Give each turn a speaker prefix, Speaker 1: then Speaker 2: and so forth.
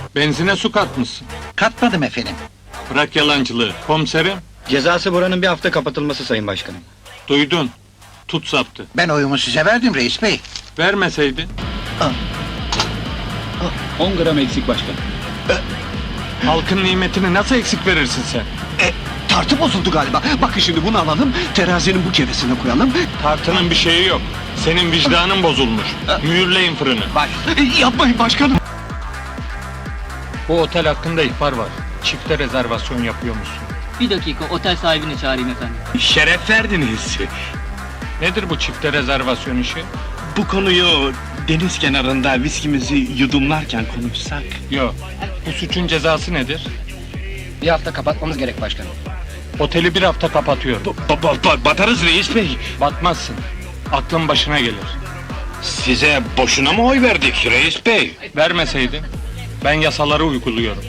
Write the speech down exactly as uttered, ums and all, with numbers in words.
Speaker 1: Benzine su katmışsın.
Speaker 2: Katmadım efendim.
Speaker 1: Bırak yalancılığı. Komiserim,
Speaker 3: Cezası buranın bir hafta kapatılması sayın başkanım.
Speaker 1: duydun. Tut saptı.
Speaker 2: Ben oyumu size verdim reis bey.
Speaker 1: Vermeseydin.
Speaker 3: on gram eksik başkanım.
Speaker 1: Halkın nimetini nasıl eksik verirsin sen?
Speaker 4: E, tartı bozuldu galiba. Bakın şimdi bunu alalım, terazinin bu kefesine koyalım.
Speaker 1: Tartının bir şeyi yok. Senin vicdanın bozulmuş. Mühürleyin fırını.
Speaker 4: Baş... E, yapmayın başkanım.
Speaker 1: Bu otel hakkında ihbar var. Çifte rezervasyon yapıyormuşsun.
Speaker 5: Bir dakika, otel sahibini çağırayım efendim.
Speaker 4: Şeref verdiniz.
Speaker 1: Nedir bu çifte rezervasyon işi?
Speaker 4: Bu konuyu deniz kenarında viskimizi yudumlarken konuşsak.
Speaker 1: Yok. Bu suçun cezası nedir?
Speaker 3: Bir hafta kapatmamız gerek başkanım.
Speaker 1: Oteli bir hafta kapatıyor.
Speaker 4: Ba- ba- ba- batarız reis bey.
Speaker 1: Batmazsın. Aklın başına gelir.
Speaker 4: Size boşuna mı oy verdik reis bey?
Speaker 1: Vermeseydin. Ben yasaları uyguluyorum.